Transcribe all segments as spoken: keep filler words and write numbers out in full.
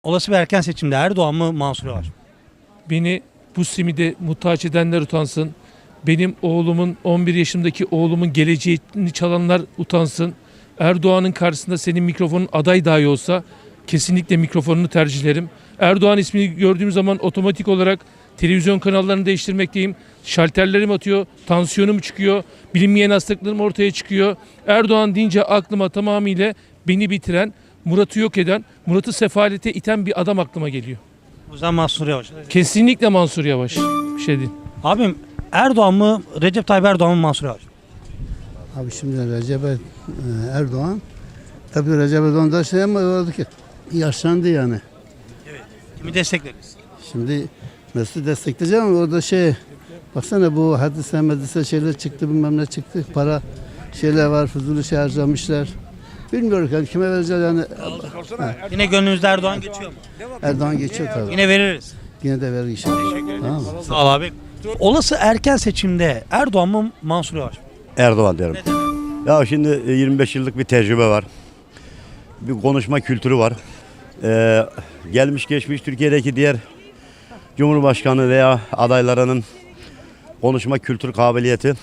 Olası bir erken seçimde Erdoğan mı Mansur Yavaş mı? Beni bu simide muhtaç edenler utansın. Benim oğlumun, on bir yaşındaki oğlumun geleceğini çalanlar utansın. Erdoğan'ın karşısında senin mikrofonun aday dahi olsa kesinlikle mikrofonunu tercihlerim. Erdoğan ismini gördüğüm zaman otomatik olarak televizyon kanallarını değiştirmekteyim. Şalterlerim atıyor, tansiyonum çıkıyor, bilinmeyen hastalıklarım ortaya çıkıyor. Erdoğan deyince aklıma tamamıyla beni bitiren, Murat'ı yok eden, Murat'ı sefalete iten bir adam aklıma geliyor. O yüzden Mansur Yavaş. Kesinlikle Mansur Yavaş. Bir şey değil. Abim Erdoğan mı Recep Tayyip Erdoğan mı Mansur Yavaş mı? Abi şimdi Recep Erdoğan, tabii Recep Erdoğan da şey ama oldu ki yaşlandı yani. Kimi destekleriz? Şimdi Mesut'u destekleyeceğim ama orada şey, baksana bu hadise medise şeyler çıktı, bilmem ne çıktı, para şeyler var, fuzuli şey harcamışlar. Bilmiyorum yani kime vereceğiz yani. Yine gönlünüzde Erdoğan geçiyor mu? Erdoğan geçiyor tabii. Yine veririz. Yine de verir inşallah. Tamam mı? Sağ ol abi. Olası erken seçimde Erdoğan mı Mansur Yavaş mı? Erdoğan derim. Ya şimdi yirmi beş yıllık bir tecrübe var. Bir konuşma kültürü var. Ee, gelmiş geçmiş Türkiye'deki diğer Cumhurbaşkanı veya adaylarının konuşma kültür kabiliyeti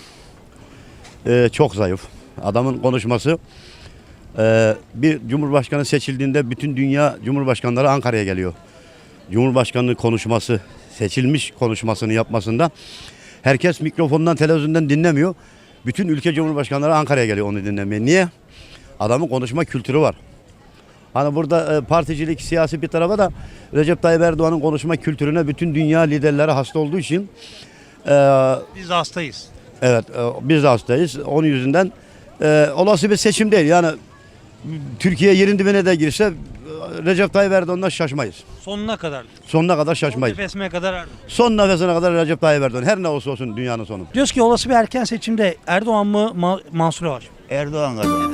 e, çok zayıf. Adamın konuşması e, bir Cumhurbaşkanı seçildiğinde bütün dünya Cumhurbaşkanları Ankara'ya geliyor. Cumhurbaşkanı konuşması, seçilmiş konuşmasını yapmasında herkes mikrofondan, televizyondan dinlemiyor. Bütün ülke Cumhurbaşkanları Ankara'ya geliyor onu dinlemeye. Niye? Adamın konuşma kültürü var. Hani burada e, particilik, siyasi bir tarafa da Recep Tayyip Erdoğan'ın konuşma kültürüne bütün dünya liderleri hasta olduğu için e, Biz de hastayız. evet e, biz de hastayız. Onun yüzünden e, olası bir seçim değil. Yani Türkiye yerin dibine de girse e, Recep Tayyip Erdoğan'dan şaşmayız. Sonuna kadar. Sonuna kadar Son şaşmayız. nefesime kadar Erdoğan. Son nefesine kadar Recep Tayyip Erdoğan. Her ne olsa olsun dünyanın sonu. Diyoruz ki olası bir erken seçimde Erdoğan mı Ma- Mansur Yavaş mı? Erdoğan kazanır.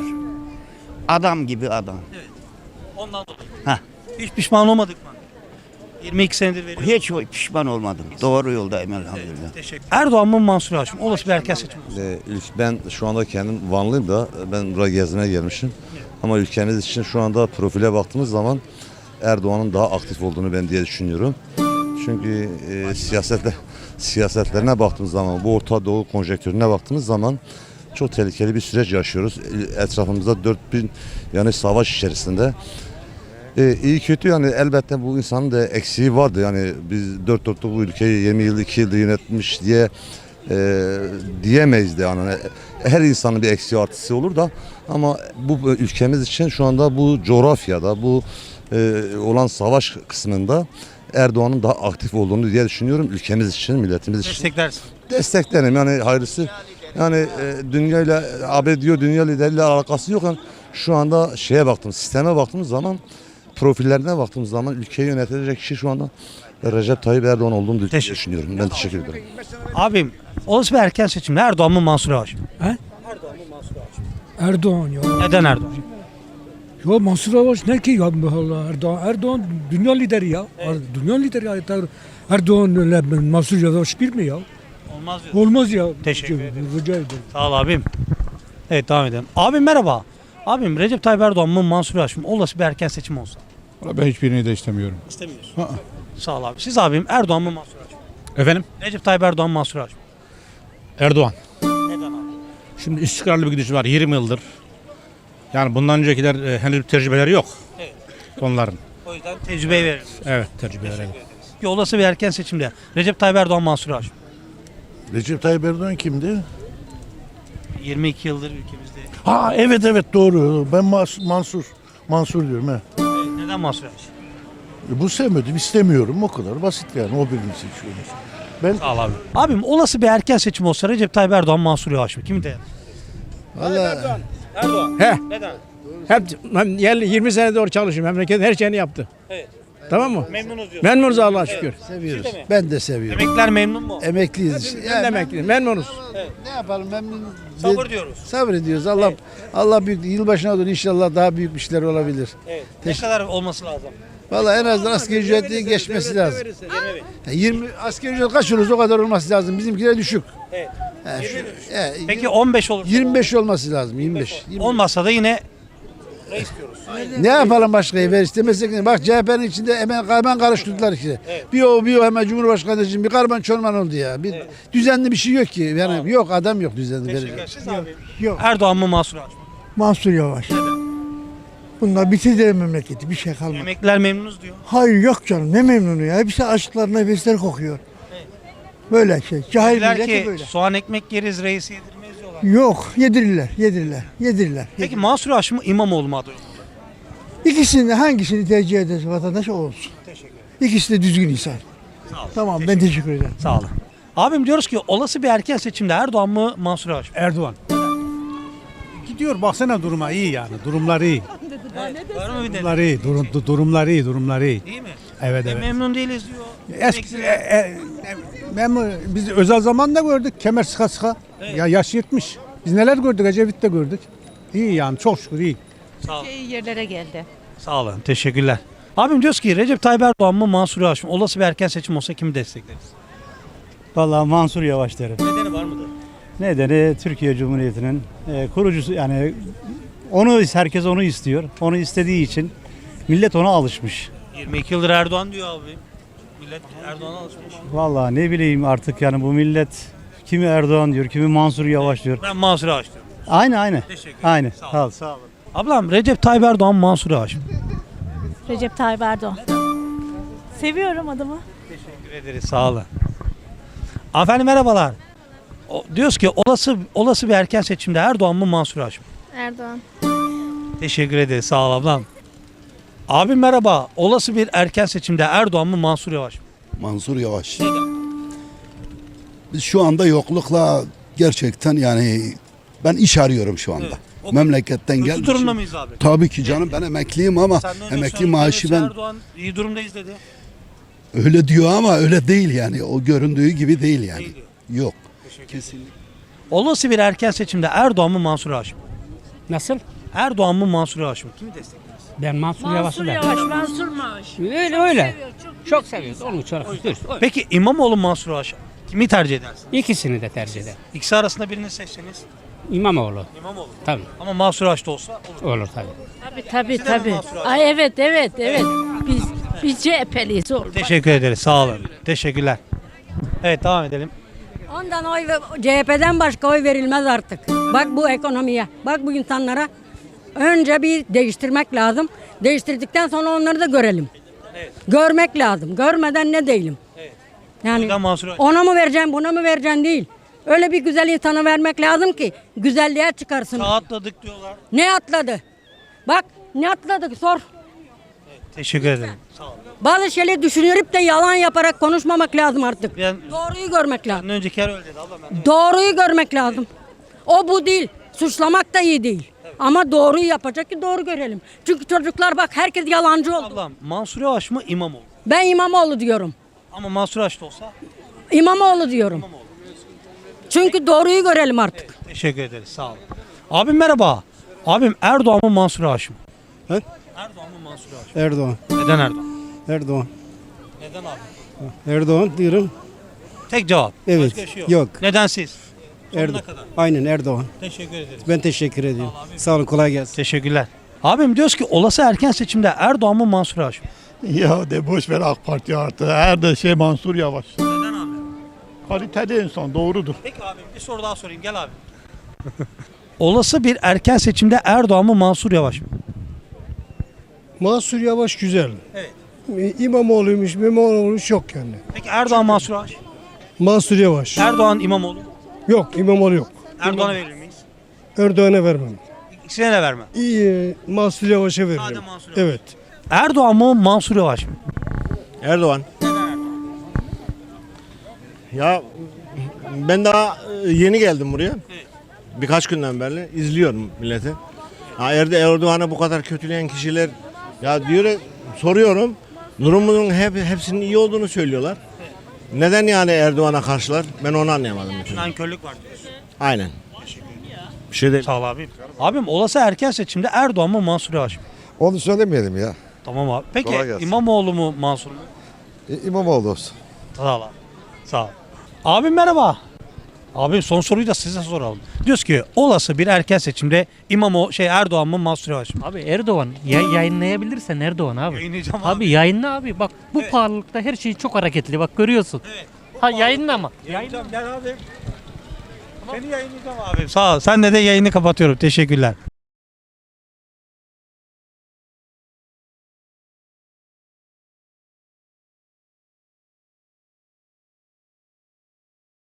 Adam gibi adam. Ondan dolayı. Heh. Hiç pişman olmadık mı? yirmi iki senedir veriyoruz. Hiç pişman olmadım. Doğru yoldayım elhamdülillah. Teşekkür. Erdoğan mı Mansur Yavaş mı? Olası bir erken seçim. Ee, ülk- Ben şu anda kendim Vanlıyım da ben buraya gezmeye gelmişim. Ama ülkemiz için şu anda profile baktığımız zaman Erdoğan'ın daha aktif olduğunu ben diye düşünüyorum. Çünkü e, siyasetle, siyasetlerine baktığımız zaman, bu Orta Doğu konjektürüne baktığımız zaman çok tehlikeli bir süreç yaşıyoruz. Etrafımızda dört bin yani savaş içerisinde. Ee, iyi kötü yani elbette bu insanın da eksiği vardı. Yani biz dört dörtlük bu ülkeyi yirmi yıl iki yılda yönetmiş diye e, diyemeyiz de yani. Her insanın bir eksiği artısı olur da ama bu ülkemiz için şu anda bu coğrafyada bu e, olan savaş kısmında Erdoğan'ın daha aktif olduğunu diye düşünüyorum ülkemiz için, milletimiz için. Desteklersin. Desteklerim yani hayırlısı. Yani e, dünyayla A B D diyor dünya lideriyle alakası yok. Yani şu anda şeye baktım, sisteme baktığımız zaman profillerine baktığımız zaman ülkeyi yönetecek kişi şu anda Recep Tayyip Erdoğan olduğunu Teşekkür. düşünüyorum. Ben teşekkür ederim. Abim olası bir erken seçimde Erdoğan mı Mansur Yavaş mı? Erdoğan ya. Neden Erdoğan? Ya Mansur Yavaş ne ki ya Allah Erdoğan Erdoğan dünya lideri ya. Dünya lideri ya. Erdoğan ile Mansur Yavaş bir mi ya? Olmaz diyor. Olmaz ya. Teşekkür ederim. Rica ederim. Sağ ol abim. Evet devam edelim. Abim merhaba. Abim Recep Tayyip Erdoğan mı Mansur Yavaş mı? Olası bir erken seçim olsa. Ben hiçbirini de istemiyorum. İstemiyorsun. Sağ ol abi. Siz abim Erdoğan mı Mansur Yavaş mı? Efendim? Recep Tayyip Erdoğan mı Mansur Yavaş mı? Erdoğan. Neden abi? Şimdi istikrarlı bir gidiş var yirmi yıldır. Yani bundan öncekiler e, henüz bir tecrübeleri yok. Evet. Onların. O yüzden tecrübeyi veririz. Evet tecrübeleri. Ki olası bir erken seçimde Recep Tayyip Erdoğan Mansur Yavaş mı? Recep Tayyip Erdoğan kimdi? yirmi iki yıldır ülkemizde. Ha evet evet doğru. Ben Mas- Mansur. Mansur diyorum he. Evet, neden Mansur Yavaş? E, Bu sevmedim istemiyorum o kadar basit yani o birini seçiyoruz. Ben Sağ ol abi. Abim olası bir erken seçim olsa Recep Tayyip Erdoğan Mansur Yavaş mı? Kimi de? Vallahi Erdoğan. He. Neden? Hep ben yerli yirmi sene doğru çalışıyorum. Memleketin her şeyini yaptı. Evet. Tamam mı? Memnunuz diyor. Memnunuz Allah'a şükür. seviyoruz. Siz de mi? Ben de seviyorum. Emekliler memnun mu? Emekliyiz. Ben de emekliyim. Memnunuz. Ne yapalım memnun. Sabır diyoruz. Sabır ediyoruz. Allah Allah büyük yılbaşına doğru inşallah daha büyük işler olabilir. Evet. Ne kadar olması lazım? Vallahi en azından asgari ücretin geçmesi lazım. yirmi bin. Yani yirmi asgari ücret kaç olursa o kadar olması lazım. Bizimkiler düşük. Evet. Yani şu- yirmi bin. e, Peki on beş olur. yirmi beş olması lazım. yirmi beş. yirmi beş. Olmazsa da yine reis diyoruz. Ne yapalım başkayı ver istemezsek ne? Bak C H P'nin içinde hemen, hemen karıştırdılar işte. Bir o bir o hemen Cumhurbaşkanı için bir karman çorman oldu ya. Bir düzenli bir şey yok ki. Yani yok adam yok düzenli. verecek. Siz abi. Yok. Erdoğan mı Mansur Yavaş mı? Mansur Yavaş. Bunlar bitirdi memleketi. Bir şey kalmadı. Emekliler memnunuz diyor. Hayır yok canım ne memnunu ya. Hepsi açlıklar nefesler kokuyor. Böyle şey. Cahil Dediler millet de ki böyle. soğan ekmek yeriz reisi yedirmeyiz diyorlar. Yok yedirirler yedirirler yedirirler. Peki Mansur Yavaş mı İmamoğlu mu aday olur? İkisini hangisini tercih ederse vatandaş o olsun. Teşekkür ederim. İkisi de düzgün insan. Sağ olun. Tamam ben teşekkür ederim. Sağ olun. Abim diyoruz ki olası bir erken seçimde Erdoğan mı Mansur Yavaş mı? Erdoğan. Gidiyor baksana duruma iyi yani. Durumlar iyi. Var mı bir de? Durumlar iyi. Durum, du- durumlar iyi. Durumlar iyi. İyi mi? Evet E, evet. memnun değiliz diyor. Eski, e, Emekliler. e, memur, biz özel zamanda gördük kemer sıka sıka. Ya yaş yetmiş. Biz neler gördük Ecevit'te gördük. İyi yani çok şükür iyi. Sağ olun. iyi yerlere geldi. Sağ olun. Teşekkürler. Abim diyoruz ki Recep Tayyip Erdoğan mı Mansur Yavaş mı? Olası bir erken seçim olsa kimi destekleriz? Vallahi Mansur Yavaş derim. Nedeni var mıdır? Nedeni Türkiye Cumhuriyeti'nin e, kurucusu yani onu herkes onu istiyor. Onu istediği için millet ona alışmış. yirmi iki yıldır Erdoğan diyor abi. Millet Erdoğan'a alışmış. Vallahi ne bileyim artık yani bu millet kimi Erdoğan diyor, kimi Mansur Yavaş diyor. Ben Mansur Yavaş diyorum. Aynı aynı. Teşekkür ederim. Aynı. Sağ Sağ ol. Sağ ol. Ablam Recep Tayyip Erdoğan Mansur Yavaş mı? Recep Tayyip Erdoğan. Seviyorum adamı. Teşekkür ederiz. Sağ olun. Hanımefendi merhabalar. O, diyoruz ki olası olası bir erken seçimde Erdoğan mı Mansur Yavaş mı? Erdoğan. Teşekkür ederiz. Sağ ol ablam. Abim merhaba. Olası bir erken seçimde Erdoğan mı Mansur Yavaş mı? Mansur Yavaş. Biz şu anda yoklukla gerçekten yani ben iş arıyorum şu anda. Evet. O- Memleketten Kötü gelmişim. durumda mıyız abi? Tabii ki canım ben emekliyim ama Sen de önce emekli söyledin, maaşı evet, ben Erdoğan iyi durumdayız dedi. öyle diyor ama öyle değil yani. O göründüğü gibi değil yani. Değil diyor. Yok. Kesinlikle. Olası bir erken seçimde Erdoğan mı Mansur Yavaş mı? Nasıl? Erdoğan mı Mansur Yavaş mı? Kimi destekleriz? Ben Mansur, Mansur Yavaş, Mansur Yavaş. Öyle öyle. Çok seviyoruz. Onu çok Peki İmamoğlu Mansur Yavaş kimi tercih edersin? İkisini de tercih eder. İkisi arasında birini seçseniz İmamoğlu. İmamoğlu. Tabii. Ama Mansur Yavaş da olsa olur. Olur tabii. Tabii tabii Sizden mi tabii. Mansur Yavaş? Ay evet evet evet. Biz biz C H P'liyiz oğlum. Teşekkür ederiz. Sağ olun. Teşekkürler. Evet devam edelim. Ondan oy C H P'den başka oy verilmez artık. Bak bu ekonomiye. Bak bu insanlara. Önce bir değiştirmek lazım. Değiştirdikten sonra onları da görelim. Görmek lazım. Görmeden ne değilim. Yani Neden Mansur Yavaş? ona mı vereceğim, buna mı vereceğim değil. Öyle bir güzel insana vermek lazım ki güzelliğe çıkarsın. Rahatladık diyorlar. Ne atladı? Bak ne atladık sor. Teşekkür ederim. Sağ olun. Bazı şeyleri düşünürüp de yalan yaparak konuşmamak lazım artık. Ben Doğruyu görmek lazım. Benden önceki yer öyle dedi abla ben. de- Doğruyu görmek lazım. O bu değil. Suçlamak da iyi değil. Ama doğruyu yapacak ki doğru görelim. Çünkü çocuklar bak herkes yalancı oldu. Ablam Mansur Yavaş mı İmamoğlu? Ben İmamoğlu diyorum. Ama Mansur Yavaş da olsa İmamoğlu diyorum. Çünkü doğruyu görelim artık. teşekkür ederiz. Sağ olun. Abim merhaba. Abim Erdoğan mı Mansur Yavaş mı? He? Erdoğan mı Mansur Yavaş mı? Erdoğan. Neden Erdoğan? Erdoğan. Neden abi? Erdoğan diyorum. Tek cevap. Evet, Başka bir şey yok. yok. Neden siz? Sonuna Erdo- kadar. Aynen Erdoğan. Teşekkür ederiz. Ben teşekkür ediyorum. Sağ olun kolay gelsin. Teşekkürler. Abim diyoruz ki olası erken seçimde Erdoğan mı Mansur Yavaş mı? Ya de boş ver AK Parti artık. Her de şey Mansur Yavaş. Neden abi? Kaliteli insan doğrudur. Peki abi bir soru daha sorayım gel abi. Olası bir erken seçimde Erdoğan mı Mansur Yavaş mı? Mansur Yavaş güzel. Evet. İmamoğlu'ymuş, İmamoğlu'ymuş yok yani. Peki Erdoğan Mansur Yavaş? Mansur Yavaş. Erdoğan İmamoğlu. Yok İmamoğlu yok. Erdoğan'a verir miyiz? Erdoğan'a vermem. İkisine de verme. İyi Mansur Yavaş'a veririm. Sadece Mansur Yavaş. Evet. Erdoğan mı Mansur Yavaş mı? Erdoğan. Ya ben daha e, yeni geldim buraya. Birkaç günden beri izliyorum milleti. Ha, Erde Erdoğan'ı bu kadar kötüleyen kişiler ya diyor soruyorum. Durumunun hep hepsinin iyi olduğunu söylüyorlar. Neden yani Erdoğan'a karşılar? Ben onu anlayamadım. bütün. Nankörlük var diyorsun. Aynen. Bir şey değil. Sağ ol abim. Abim olası erken seçimde Erdoğan mı Mansur Yavaş mı? Onu söylemeyelim ya. Tamam abi. Peki Kolay gelsin. İmamoğlu mu Mansur mu? İmamoğlu olsun. Sağ ol abi. Sağ ol. Abim merhaba. Abi son soruyu da size soralım. Diyoruz ki olası bir erken seçimde İmamoğlu şey Erdoğan mı Mansur Yavaş mı? Abi Erdoğan ya, yayınlayabilirsen Erdoğan abi. Yayınlayacağım Abi, abi. yayınla abi. Bak bu pahalılıkta her şey çok hareketli. Bak görüyorsun. Ha yayınlama. Yayınlayacağım gel abi. Seni yayınlayacağım abi. Sağ ol. Sen de de yayını kapatıyorum. Teşekkürler.